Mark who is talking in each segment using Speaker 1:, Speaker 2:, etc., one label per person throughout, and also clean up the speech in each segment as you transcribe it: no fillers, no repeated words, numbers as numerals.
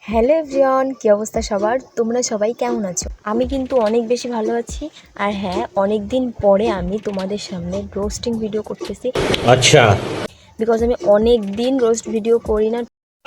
Speaker 1: Hello everyone, কী অবস্থা সবার? তোমরা সবাই কেমন আছো? আমি কিন্তু অনেক বেশি ভালো আছি। আর হ্যাঁ, অনেক দিন পরে আমি তোমাদের সামনে রোস্টিং ভিডিও করতেছি। আচ্ছা, বিকজ আমি অনেক দিন রোস্ট ভিডিও করি না,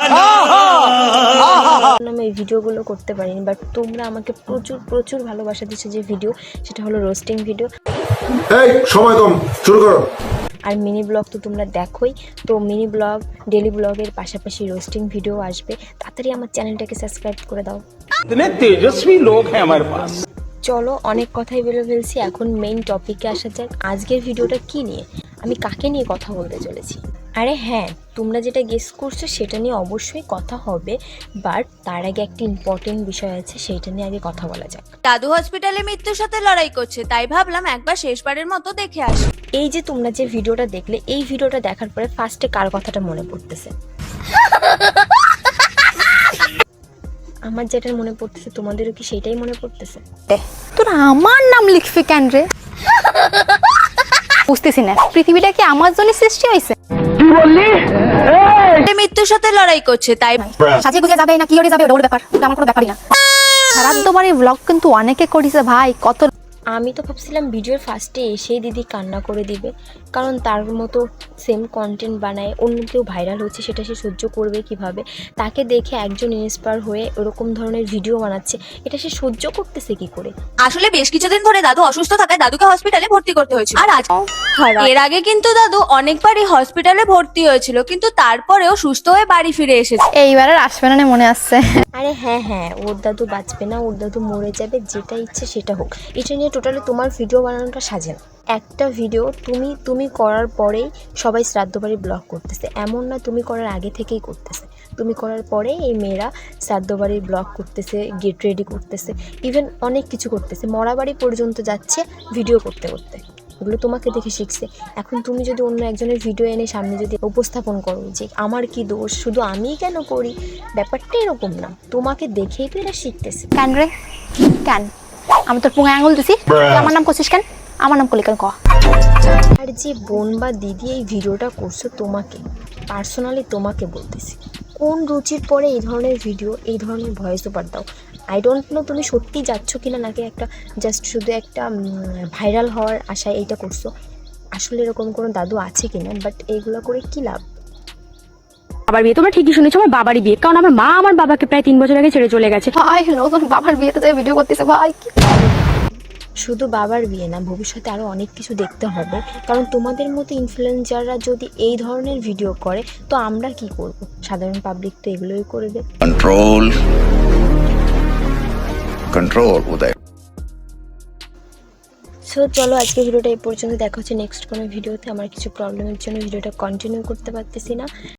Speaker 1: আমি এই ভিডিওগুলো করতে পারিনি। বাট তোমরা আমাকে প্রচুর প্রচুর ভালোবাসা দিচ্ছ যে ভিডিও, সেটা হলো রোস্টিং ভিডিও।
Speaker 2: এই সময় কম, শুরু করো।
Speaker 1: আর মিনি ব্লগ তো তোমরা দেখোই, তো মিনি ব্লগ, ডেলি ব্লগের পাশাপাশি রোস্টিং ভিডিও আসবে। তাড়াতাড়ি আমার চ্যানেলটাকে সাবস্ক্রাইব করে দাও।
Speaker 3: इतने तेजस्वी लोग हैं हमारे पास।
Speaker 1: চলো, অনেক কথাই বলে ফেলছি, এখন মেইন টপিকে আসা যাক। আজকের ভিডিওটা কি নিয়ে, আমি কাকে নিয়ে কথা বলতে চলেছি? আরে হ্যাঁ, তোমরা যেটা গেস করছো সেটা নিয়ে অবশ্যই কথা হবে, বাট তার আগে একটা ইম্পর্টেন্ট বিষয় আছে, সেইটা নিয়ে আগে কথা বলা যাক।
Speaker 4: দাদু হসপিটালে মৃত্যুর সাথে লড়াই করছে, তাই ভাবলাম একবার শেষবারের মতো দেখে আসি।
Speaker 1: এই যে তোমরা যে ভিডিওটা দেখলে, এই ভিডিওটা দেখার পরে ফার্স্টে কার কথাটা মনে পড়তেছে? আমার যেটা মনে পড়তেছে, তোমাদেরও কি সেটাই মনে পড়তেছে?
Speaker 5: তোরা আমার নাম লিখবি কেন রে? বুঝতেছি না, পৃথিবীটা কি আমার জন্য সৃষ্টি হয়েছে?
Speaker 4: মৃত্যুর সাথে লড়াই করছে, তাই
Speaker 5: সাজে গুজে যাবে না কি করে যাবে ওর ব্যাপার, ওটা আমার কোনো ব্যাপারই না। সারা তোমার এই ব্লগ কিন্তু অনেকে করেছে ভাই, কত।
Speaker 1: আমি তো ভাবছিলাম ভিডিওর ফার্স্টে এসেই দিদি কান্না করে দিবে, কারণ তার মতো সেম কন্টেন্ট বানায়, অন্য কেউ ভাইরাল হচ্ছে, সেটা সে সহ্য করবে কিভাবে? তাকে দেখে একজন ইন্সপায়ার হয়ে ওরকম ধরনের ভিডিও বানাচ্ছে, এটা সে সহ্য করতেছে কি করে?
Speaker 4: আসলে বেশ কিছুদিন ধরে দাদু অসুস্থ থাকায় দাদুকে হসপিটালে ভর্তি করতে হয়েছিল। আর আজ এর আগে কিন্তু দাদু অনেকবারই হসপিটালে ভর্তি হয়েছিল, কিন্তু তারপরেও সুস্থ হয়ে বাড়ি ফিরে এসেছে।
Speaker 5: এইবার আর আসবে না মনে আসছে।
Speaker 1: আরে হ্যাঁ হ্যাঁ, ওর দাদু বাঁচবে না, ওর দাদু মরে যাবে, যেটা ইচ্ছে সেটা হোক। এটা নিয়ে টোটালি তোমার ভিডিও বানানোটা সাজে না। একটা ভিডিও তুমি করার পরেই সবাই শ্রাদ্ধ বাড়ি ব্লগ করতেছে, এমন না তুমি করার আগে থেকেই করতেছে। তুমি করার পরে এই মেয়েরা শ্রাদ্ধ বাড়ির ব্লগ করতেছে, গেট রেডি করতেছে, ইভেন অনেক কিছু করতেছে, মরা বাড়ি পর্যন্ত যাচ্ছে ভিডিও করতে করতে। এগুলো তোমাকে দেখে শিখছে। এখন তুমি যদি অন্য একজনের ভিডিও এনে সামনে যদি উপস্থাপন করো যে আমার কি দোষ, শুধু আমিই কেন করি, ব্যাপারটা এরকম না। তোমাকে দেখেই তো এরা শিখতেছে।
Speaker 5: কেন রে? কেন? আমি তোর পুঙ্গে আঙুল দিছি, তুই আমার নাম করছিস কেন? আমার নাম করলি কেন ক?
Speaker 1: আর যে বোন বা দিদি এই ভিডিওটা করছো, তোমাকে পার্সোনালি তোমাকে বলতেছি, কোন রুচির পরে এই ধরনের ভিডিও, এই ধরনের ভয়েস ওভার দাও? আই ডোন্ট নো তুমি সত্যি যাচ্ছ কিনা, নাকি একটা জাস্ট শুধু একটা ভাইরাল হওয়ার আশায় এইটা করছো। আসলে এরকম কোনো দাদু আছে কিনা, বাট এইগুলো করে কি লাভ?
Speaker 6: বাবার বিয়ে, তোমরা ঠিকই শুনেছো, আমার বাবারই বিয়ে। কারণ আমার মা আমার বাবাকে প্রায় 3 বছর আগে ছেড়ে চলে গেছে।
Speaker 5: ভাই নতুন বাবার বিয়েতে যাই ভিডিও করতেছে ভাই।
Speaker 1: শুধু বাবার বিয়ে না, ভবিষ্যতে আরও অনেক কিছু দেখতে হবে, কারণ তোমাদের মতো ইনফ্লুয়েন্সাররা যদি এই ধরনের ভিডিও করে, তো আমরা কি করব? সাধারণ পাবলিক তো এগুলোই করবে।
Speaker 7: कंट्रोल कंट्रोल उदय।
Speaker 1: সো চলো, আজকে ভিডিওটা এই পর্যন্ত। দেখা হচ্ছে নেক্সট কোনো ভিডিওতে। আমার কিছু প্রবলেমের জন্য ভিডিওটা কন্টিনিউ করতে পারতেছি না।